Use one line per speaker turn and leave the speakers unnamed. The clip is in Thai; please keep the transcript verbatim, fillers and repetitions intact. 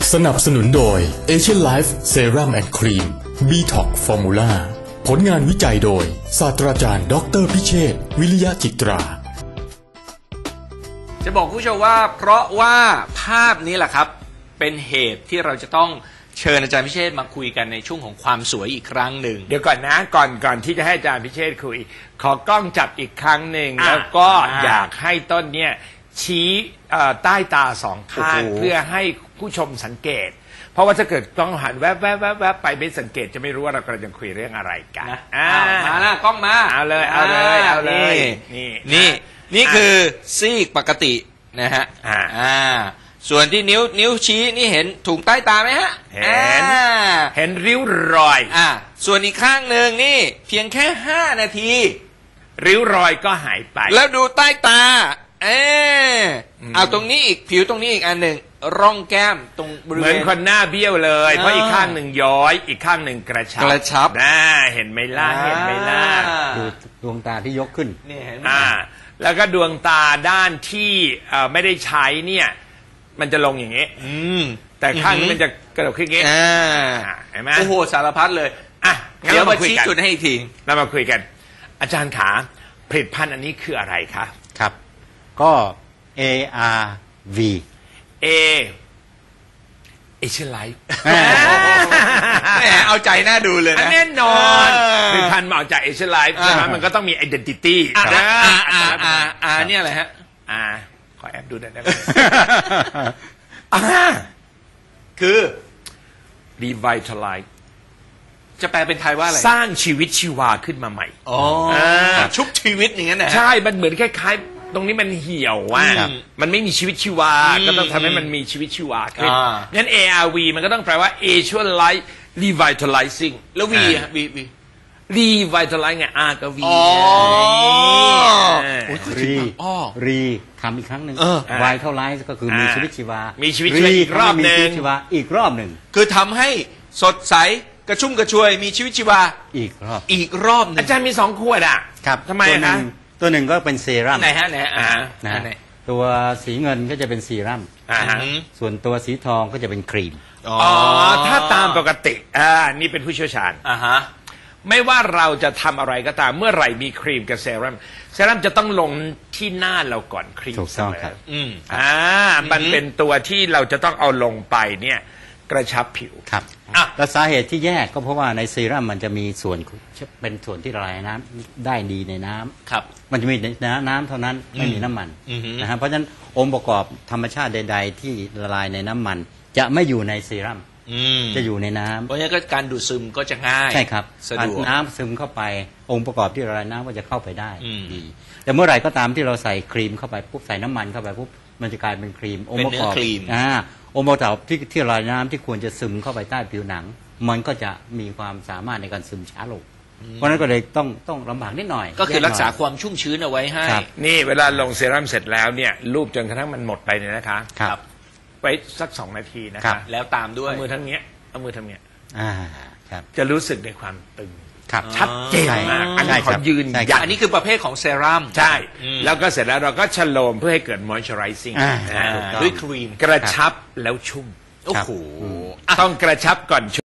สนับสนุนโดย Asian Life Serum and Cream บี ท็อกซ์ Formula ผลงานวิจัยโดยศาสตราจารย์ดรพิเชษฐ์วิริยะจิตรา
จะบอกผู้ชมว่าเพราะว่าภาพนี้แหละครับเป็นเหตุที่เราจะต้องเชิญอาจารย์พิเชษฐ์มาคุยกันในช่วงของความสวยอีกครั้งหนึ่ง
เดี๋ยวก่อนนะก่อนก่อนที่จะให้อาจารย์พิเชษฐ์คุยขอกล้องจับอีกครั้งหนึ่งแล้วก็อยากให้ต้นเนี่ยชี้ใต้ตาสองข้างเพื่อให้ผู้ชมสังเกตเพราะว่าถ้าเกิดกล้องหันแวบแวบแวบแวบไปไม่สังเกตจะไม่รู้ว่าเรากำลังจะคุยเรื่องอะไรกัน
นะมาละกล้องมา
เอาเลยเอาเลยเอาเลย
นี่นี่นี่คือซีกปกตินะฮะอ่าส่วนที่นิ้วนิ้วชี้นี่เห็นถุงใต้ตาไหมฮะ
เห็นเห็นริ้วรอย
อ่าส่วนอีกข้างหนึ่งนี่เพียงแค่ห้านาที
ริ้วรอยก็หายไป
แล้วดูใต้ตาเออเอาตรงนี้อีกผิวตรงนี้อีกอันหนึ่งร่องแก้มตรงบริเวณ
เหมือนคนหน้าเบี้ยวเลยเพราะอีกข้างหนึ่งย้อยอีกข้างหนึ่งกระชับ
กระชับ
น่าเห็นไหมล่ะเห็นไหมล่ะ
ดูดวงตาที่ยกขึ้น
นี่เห็น
อ่าแล้วก็ดวงตาด้านที่ไม่ได้ใช้เนี่ยมันจะลงอย่างนี้แต่ข้างนี้มันจะกระดกขึ้นอย่างนี้เห็นไหม
โอ้โหสารพัดเลย
อ่ะ
เดี๋ยวมาชี้จุดให้อีกที
เรามาคุยกันอาจารย์ขาผลิตภัณฑ์อันนี้คืออะไรคะ
ครับก็ เอ อาร์ วี
A Asian Life
แหมเอาใจน่าดูเลยนะ
แน่นอนผลิตภัณฑ์มาเอาจาก Asian Life ใช่ไหมมันก็ต้องมี identity
อ่าอ่าอ่าอ่าเนี่ยอะไรฮะ
อ่าขอแอบดูหน่อยได้ไหม
คือ
revitalize
จะแปลเป็นไทยว่าอะไร
สร้างชีวิตชีวาขึ้นมาใหม่
อ๋อชุบชีวิตอย่างนั้นนะ
ใช่มันเหมือนคล้ายๆตรงนี้มันเหี่ยวว่ามันไม่มีชีวิตชีวาก็ต้องทำให้มันมีชีวิตชีวาขึ้นงั้น เอ อาร์ วี มันก็ต้องแปลว่า Asian Life Revitalizing
แล้ว V อ่ะ V V
Revitalize ไง R กับ V
อ๋อ
รีรีทำอีกครั้งหนึ่ง Vitalize ก็คือมีชีวิตชีวา
มีชีวิตชีวาอีกรอบหนึ่ง
ชีวาอีกรอบหนึ่ง
คือทำให้สดใสกระชุ่มกระชวยมีชีวิตชีวา
อีกรอบ
อีกรอบหนึ่ง
อาจารย์มีสองขวดอ่ะ
ครับ
ทำไมคะ
ตัวหนึ่งก็เป็นเซรั่ม
ไหนฮะไหนฮะ
นะตัวสีเงินก็จะเป็นเซรั่มส่วนตัวสีทองก็จะเป็นครีม
อ๋อถ้าตามปกติอ่านี่เป็นผู้เชี่ยวชาญ
อ่าฮะ
ไม่ว่าเราจะทำอะไรก็ตามเมื่อไหร่มีครีมกับเซรั่มเซรั่มจะต้องลงที่หน้าเราก่อนครีม
ถูกต้องครับ
อืมอ่ามันเป็นตัวที่เราจะต้องเอาลงไปเนี่ยกระชับผิว
ครับและสาเหตุที่แยกก็เพราะว่าในเซรั่มมันจะมีส่วนเป็นส่วนที่ละลายน้ำได้ดีในน้ำ
ครับ
มันจะมีน้ำเท่านั้นไม่มีน้ำมันนะฮะเพราะฉะนั้นองค์ประกอบธรรมชาติใดๆที่ละลายในน้ำมันจะไม่อยู่ในเซรั่มจะอยู่ในน้ำ
เพราะฉะนั้นก็การดูดซึมก็จะง่าย
ใช่ครับ
สะดวก
น้ำซึมเข้าไปองค์ประกอบที่ละลายน้ำก็จะเข้าไปได้ดีแต่เมื่อไหร่ก็ตามที่เราใส่ครีมเข้าไปปุ๊บใส่น้ำมันเข้าไปปุ๊บมันจะกลายเป็นครีม
องค์ประกอบ
อ่าองค์ประกอบที่ที่ละลายน้ำที่ควรจะซึมเข้าไปใต้ผิวหนังมันก็จะมีความสามารถในการซึมช้าลงเพราะนั้นก็เลยต้องต้องลำบากนิดหน่อย
ก็คือรักษาความชุ่มชื้นเอาไว้ให้
นี่เวลาลงเซรั่มเสร็จแล้วเนี่ยรูปจนกระทั่งมันหมดไปเนี่ยนะคะ
ครับ
ไว้สักสองนาทีนะคะ
แล้วตามด้วย
เอามือทั้งเนี้ยเอามือทำเนี้ย
อ่าครับ
จะรู้สึกในความตึง
ครับ
ชัดเจนมากอันนี้ขอยืนยัน
อันนี้คือประเภทของเซรั่ม
ใช่แล้วก็เสร็จแล้วเราก็ชโลมเพื่อให้เกิด moisturizing
ด้วยครีม
กระชับแล้วชุ่ม
โอ้โห
ต้องกระชับก่อน